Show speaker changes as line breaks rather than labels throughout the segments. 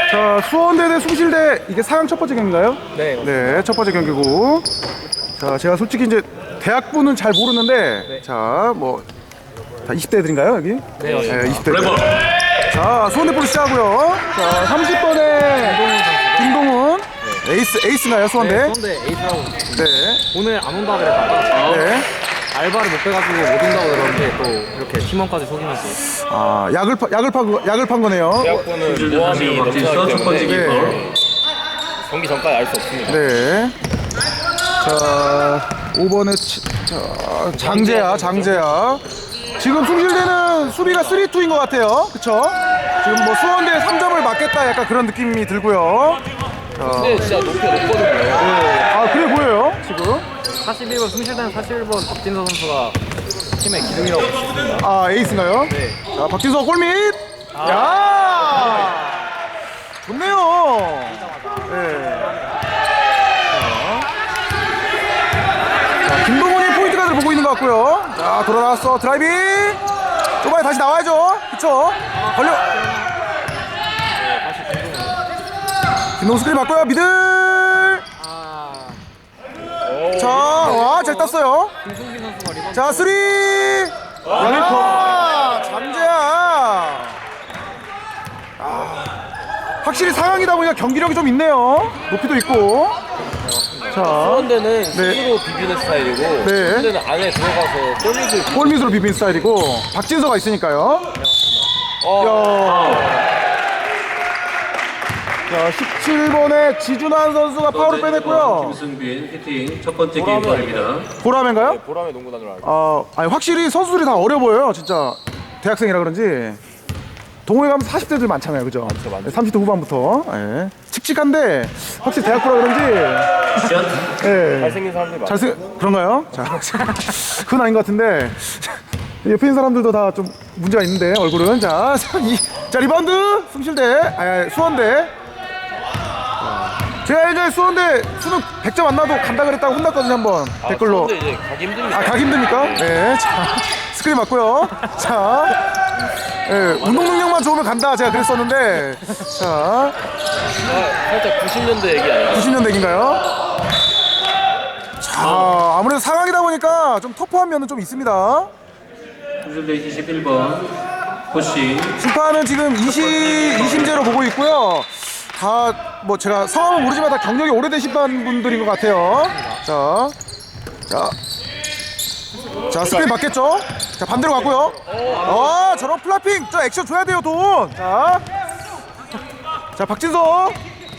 자, 수원대 대 숭실대, 이게 4강 첫 번째 경기인가요?
네.
네, 첫 번째 경기고. 자, 제가 솔직히 이제 대학부는 잘 모르는데,
네.
자, 뭐, 자, 20대들인가요, 여기?
네, 맞습니다.
20대들. 자, 수원대 볼로 시작하고요. 자, 30번에 김동훈. 에이스인가요, 수원대?
네, 수원대 에이스라고.
네.
오늘 안 온다고 그랬다가
네.
알바를 못 빼가지고 못 온다고 그러는데 또 이렇게 팀원까지 속이면서.
아, 약을 판 거네요.
대학부는 모함이 넘쳐나기
첫 번째
때문에
기퍼.
경기 전까지 알 수 없습니다.
네. 자, 5번에 장재야. 지금 숭실대는 수비가 3-2인 것 같아요. 그쵸? 지금 뭐 수원대 3점을 맞겠다 약간 그런 느낌이 들고요.
근데 진짜 높이가 높거든요.
아, 그래 보여요, 지금.
41번 숭실대는 41번 박진서 선수가 팀의 기둥이라고 보십니다.
아, 에이스인가요?
네.
자, 박진서 골밑! 야! 좋네요. 네. 자, 김동훈이 포인트 가드를 보고 있는 것 같고요. 자, 돌아나왔어. 드라이빙! 초반에 다시 나와야죠. 그쵸? 걸려. 김동훈 스크린 맞고요. 미들! 자, 와, 잘 땄어요.
김승기 선수가 리바운드.
자, 쓰리! 야, 잠재야. 확실히 상황이다 보니까 경기력이 좀 있네요. 높이도 있고. 자,
수원대는 스스로 비비는 스타일이고
네.
수원대는 안에 들어가서 골밑을
골밑으로 비빈 스타일이고 박진서가 있으니까요. 자, 17번에 지준환 선수가 파울을 빼냈고요.
김승빈 히팅 첫 번째 기퍼입니다.
보라맨가요?
보람의 농구단으로 알고
아니 확실히 선수들이 다 어려 보여요. 진짜 대학생이라 그런지. 동호회 가면 40대들 많잖아요, 그죠?
많죠.
30대 후반부터. 예. 칙칙한데 확실히 대학부라 그런지. 예.
잘생긴 사람들이 많아요.
그런가요? 자, 그건 아닌 것 같은데. 옆에 있는 사람들도 다 좀 문제가 있는데 얼굴은. 자, 자 리바운드 숭실대, 수원대. 제가 이제 수원대 수능 100점 안 나도 간다 그랬다고 혼났거든요, 한번 댓글로.
수원대 이제 가기 힘듭니다.
아, 가기 힘듭니까? 네. 자, 스크린 맞고요. 자, 예, 운동 능력만 좋으면 간다 제가 그랬었는데. 자,
살짝 90년대 얘기 아니에요?
90년대인가요? 자, 아무래도 상황이다 보니까 좀 터프한 면은 좀 있습니다.
김승빈 21번 푸시.
심판은 지금 이심제로 보고 있고요. 다 뭐 제가 성함은 모르지만 다 경력이 오래된 심판분들인 것 같아요. 자, 스크린 맞겠죠? 자, 반대로 갔고요. 저런 플라핑, 저 액션 줘야 돼요, 돈. 자, 박진서.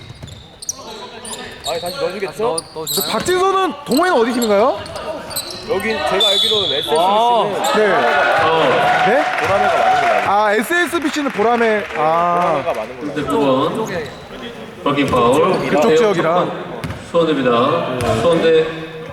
다시 넣어주겠죠?
저 박진서는 동호회는 어디 팀인가요?
여긴 제가 알기로는 SSBC는
네. 네?
보라매가 많은 걸로 알고
아, SSBC는 보람에. 아,
보라매가 많은 걸로 알고
9번 버기 파울.
그쪽 지역이라.
수원대입니다. 수원대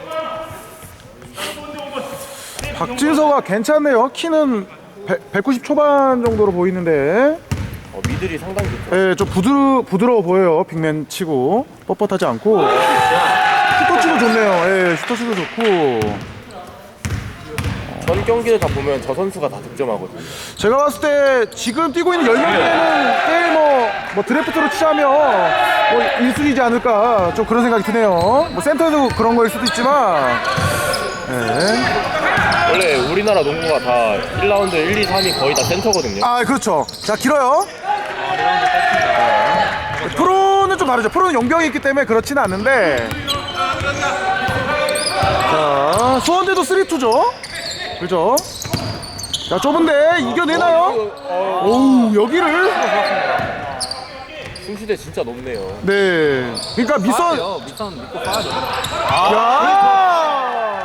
박진서가 괜찮네요. 키는 190 초반 정도로 보이는데.
미들이 상당히 좋죠.
예, 좀 부드러워 보여요. 빅맨 치고 뻣뻣하지 않고. 슈터치도 좋네요. 예, 슈터치도 좋고.
전 경기를 다 보면 저 선수가 다 득점하거든요.
제가 봤을 때 지금 뛰고 있는 10명대는 꽤 뭐 드래프트로 치자면 뭐 1순위지 않을까 좀 그런 생각이 드네요. 뭐 센터에도 그런 거일 수도 있지만. 예.
원래 우리나라 농구가 다 1라운드 1, 2, 3이 거의 다 센터거든요.
아, 그렇죠. 자, 길어요. 프로는 좀 다르죠. 프로는 용병이 있기 때문에 그렇지는 않은데. 자, 수원대도 3-2죠. 그죠? 자, 좁은데 이겨내나요? 오우, 여기를.
숭실대 진짜 높네요.
네. 그러니까 밑선.
밑선 믿고 빠져.
야!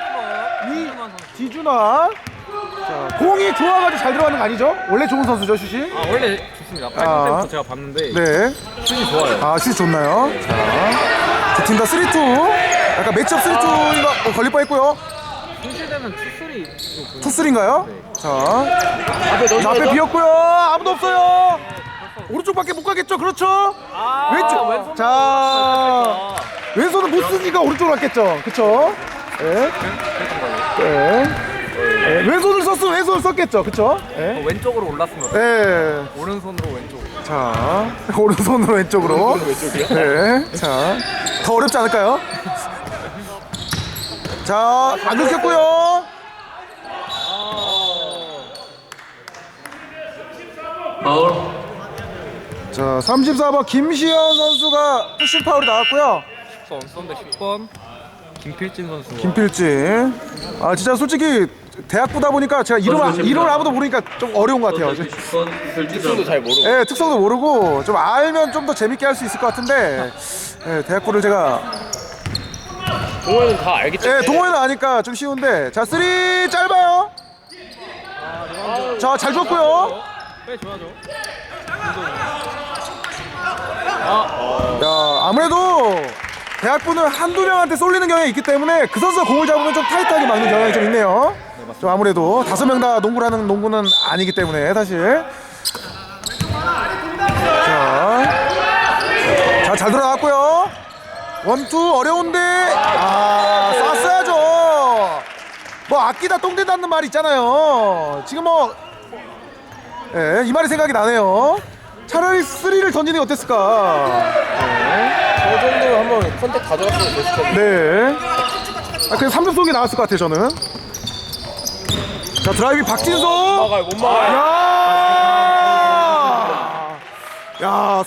디준아. 자, 공이 좋아가지고 잘 들어가는 거 아니죠? 원래 좋은 선수죠, 슛이?
원래 좋습니다. 8점 때부터 제가 봤는데
네.
슛이 좋아요.
아, 슛 좋나요? 자, 두 팀 다 3-2. 약간 매치업 3-2가 걸릴 뻔했고요.
숭실대는
투쓰리인가요?
네.
자, 앞에 비었고요. 아무도 없어요. 오른쪽밖에 못 가겠죠? 그렇죠? 왼쪽. 자, 왼손은 못 쓰니까 오른쪽으로 갔겠죠? 그쵸? 네. 왼손을 썼으면 왼손을 썼겠죠? 그쵸? 네.
왼쪽으로 올랐으면
네.
오른손으로 왼쪽.
자, 오른손으로 왼쪽으로.
왼쪽이요?
네. 자, 더 어렵지 않을까요? 자, 안 긁혔고요.
파울.
자, 34번 김시현 선수가 푸싱 파울이 나왔고요.
수원대 10번 김필진 선수.
김필진. 아, 진짜 솔직히 대학부다 보니까 제가 이름을 아무도 모르니까 좀 어려운 것 같아요.
수원대 10번
특성도
김필진
잘 모르고.
네, 특성도 모르고 좀 알면 좀 더 재밌게 할 수 있을 것 같은데, 네, 대학부를 제가
동호회는 다 알기 때문에.
네, 동호회는 아니까 좀 쉬운데. 자, 3 짧아요. 자, 잘 줬고요.
네, 좋아죠.
야, 아무래도 대학부는 한두 명한테 쏠리는 경향이 있기 때문에 그 선수가 공을 잡으면 좀 타이트하게 막는 경향이 좀 있네요. 좀 아무래도 5명 다 농구를 하는 농구는 아니기 때문에 사실. 자, 잘 들어갔고요. 원투 어려운데, 쐈어야죠. 뭐 아끼다 똥 된다는 말이 있잖아요. 지금 뭐, 예, 이 말이 생각이 나네요. 차라리 3를 던지는 게 어땠을까.
저 정도로 한번 컨택 가져갔으면 됐을 텐데.
네. 그냥 3점 쏘기 나왔을 것 같아요, 저는. 자, 드라이빙 박진석.
막아요, 못 막아요.
야,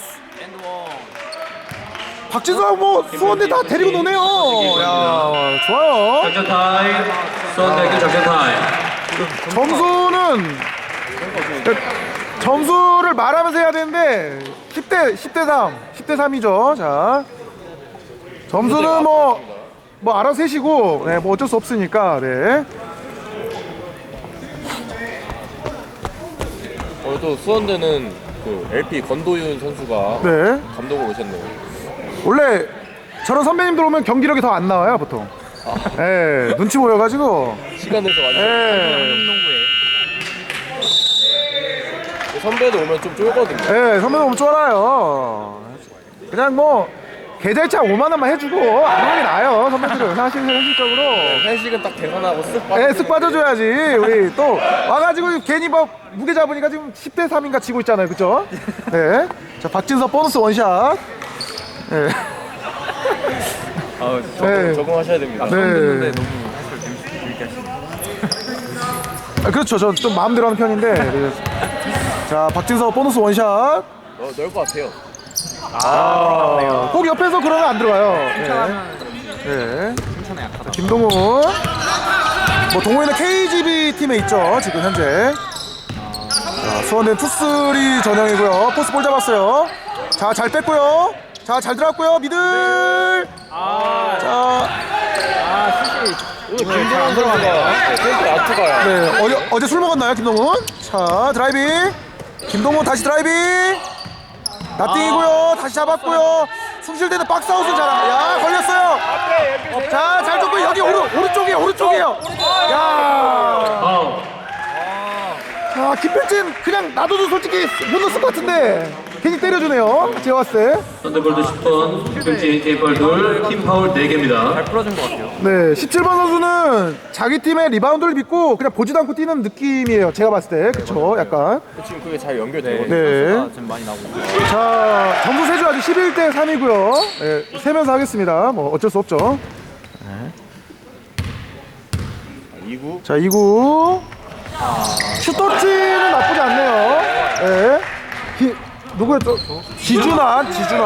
박진석 뭐 수원대 다 데리고 노네요. 야, 좋아요.
작전 타임. 수원대학교 작전 타임.
점수를 말하면서 해야 되는데 10대 3이죠. 자, 점수는 뭐 알아서 해시고, 네, 뭐 어쩔 수 없으니까. 네.
또 수원대는 그 LP 건도윤 선수가
네.
감독으로 오셨네요.
원래 저런 선배님들 오면 경기력이 더 안 나와요, 보통. 예, 눈치 보여가지고.
시간 내서 완전.
예,
선배도 오면 좀 쫄거든요.
예, 선배님 오면 쫄아요. 그냥 뭐 계좌이체 5만 원만 해주고 안 하는 게 나아요, 선배들은. 사실 현실적으로.
회식은 딱 계산하고 쓱 빠져.
예, 쓱 빠져줘야지. 우리 또 와가지고 괜히 뭐 무게 잡으니까 지금 10대 3인가 지고 있잖아요, 그쵸? 네. 자, 박진석 보너스 원샷. 예. 네.
적응하셔야 됩니다.
네.
듣는데 너무 해설 재밌게 하시네요.
그렇죠. 전 좀 마음대로 하는 편인데. 네. 자, 박진석 보너스 원샷.
넣을 것 같아요.
꼭 옆에서 그러면 안 들어가요. 네.
칭찬에 약하다.
김동훈. 뭐 동호회는 KGB 팀에 있죠, 지금 현재. 자, 수원대는 투쓰리 전형이고요. 포스 볼 잡았어요. 자, 잘 뺐고요. 자, 잘 들어갔고요. 미들. 자,
오늘 김동훈 선수가 센터 아투가요.
네, 어제 술 먹었나요, 김동훈? 자, 드라이빙. 김동훈 다시 드라이빙. 나띵이고요. 다시 잡았고요. 숭실대는 박스아웃은 잘합니다. 야, 걸렸어요. 자, 잘 줬고요. 여기 오른쪽이에요. 야.
파울.
자, 김필진 그냥 놔둬도 솔직히 못 넣었을 것 같은데 괜히 때려주네요. 제가 봤을 때.
썬더볼드 10번 김필진 테이블 둘. 팀 파울 4개입니다.
잘 풀어준 것 같아요.
네, 17번 선수는 자기 팀의 리바운드를 믿고 그냥 보지도 않고 뛰는 느낌이에요. 제가 봤을 때. 그쵸, 약간.
지금 그게 잘 연결되거든요.
네.
선수가 지금 많이 나오고 있어요.
자, 점수 세주 아직 11대 3이고요. 네, 세면서 하겠습니다. 뭐 어쩔 수 없죠.
2구.
자, 2구. 슈터치는 나쁘지 않네요. 네. 누구였죠? 지준환.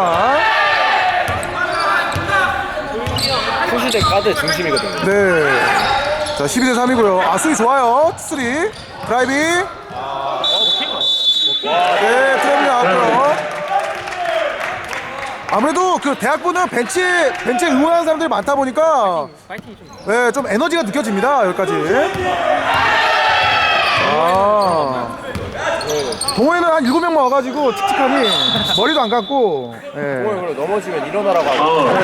소시대 가드 중심이거든요.
네. 자, 12대 3이고요. 아, 수비 좋아요. 3. 드라이빙. 네, 드라이빙 나왔고요. 아무래도 그 대학부는 벤치에 응원하는 사람들이 많다 보니까
파이팅이 좀
네, 좀 에너지가 느껴집니다. 여기까지. 아. 동호회는 한 7명만 와가지고 칙칙하니 머리도 안 감고. 네.
동호회 넘어지면 일어나라고 하고.
파울.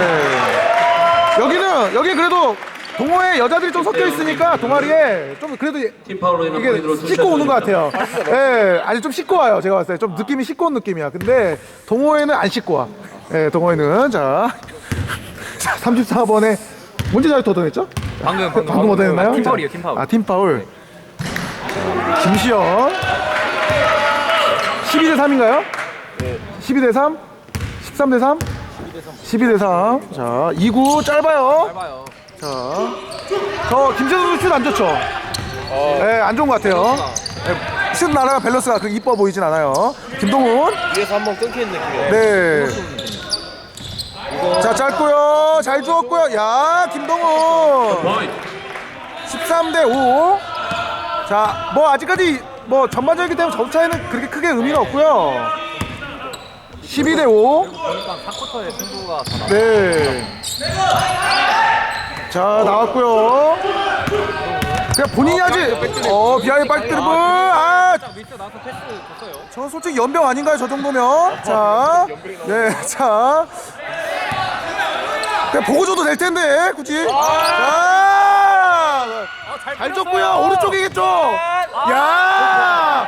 네. 여기 그래도 동호회 여자들이 좀 섞여 있으니까 동아리에 좀 그래도
팀 파울로 인한 포인트로
이게 씻고 오는 것 같아요. 예, 아니 좀 씻고 와요. 제가 봤을 때 좀 느낌이 씻고 온 느낌이야. 근데 동호회는 안 씻고 와. 예, 동호회는 자 34번에 언제 자유투 얻어냈죠? 방금 얻어냈나요?
팀 파울이에요, 팀 파울.
아, 팀 파울. 김시현 12대 3인가요?
네,
12대3, 13대3, 12대3. 자, 2구 짧아요.
짧아요.
자, 저 김재동 선수 슛 안 좋죠? 네, 안 좋은 것 같아요. 네, 슛 나라가 밸런스가 그렇게 이뻐 보이진 않아요. 김동훈.
위에서 한번 끊기는 느낌이에요.
네. 자, 짧고요. 잘 주었고요. 야, 김동훈.
Point.
13대5. 자, 뭐 아직까지 뭐 전반전이기 때문에 점 차이는 그렇게 크게 의미는 없고요. 12대5.
보니까 4쿼터에 승부가 다 나와.
네. 자, 나왔고요. 그냥 본인이 하지. 비하인드 백드리블. 아,
밑에 나와서 패스 줬어요.
저 솔직히 연병 아닌가요, 저 정도면? 자, 네, 자. 그냥 보고 줘도 될 텐데, 굳이. 자, 잘 줬고요. 오른쪽이겠죠. 야,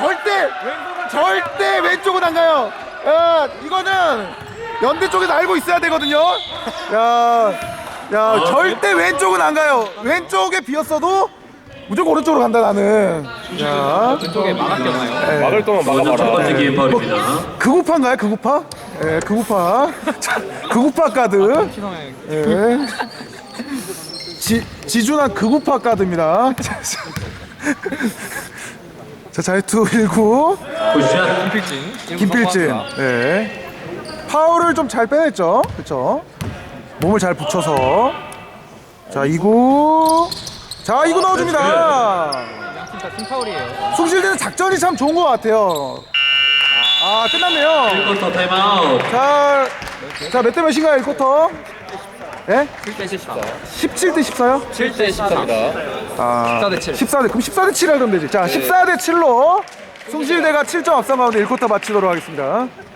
절대 왼쪽은 안 가요. 야, 이거는 연대 쪽에서 알고 있어야 되거든요. 야, 절대 왼쪽은 안 가요. 왼쪽에 비었어도 무조건 오른쪽으로 간다 나는. 야,
왼쪽에 막았겠나요?
네.
막을 동안
먼저 첫
막아봐라.
번째 게임 파울입니다.
극우파인가요? 극우파? 예, 극우파. 자, 극우파 카드.
신성의
예. 지준한 극우파 카드입니다. 자, 자유투 1구.
굿샷.
김필진. 예. 파울을 좀 잘 빼냈죠. 그렇죠? 몸을 잘 붙여서. 자, 2구. 자, 2구 넣어줍니다.
양팀 다 팀파울이에요.
숭실대는 작전이 참 좋은 것 같아요. 아, 끝났네요.
1쿼터 타임아웃.
자, 몇 대 몇인가요, 1쿼터? 예?
7대 14.
17대 14요?
7대 14입니다.
아,
14대 7.
14대, 그럼 14대 7 하면 되지. 자, 14대 7로 숭실대가 7점 앞선 가운데 1쿼터 마치도록 하겠습니다.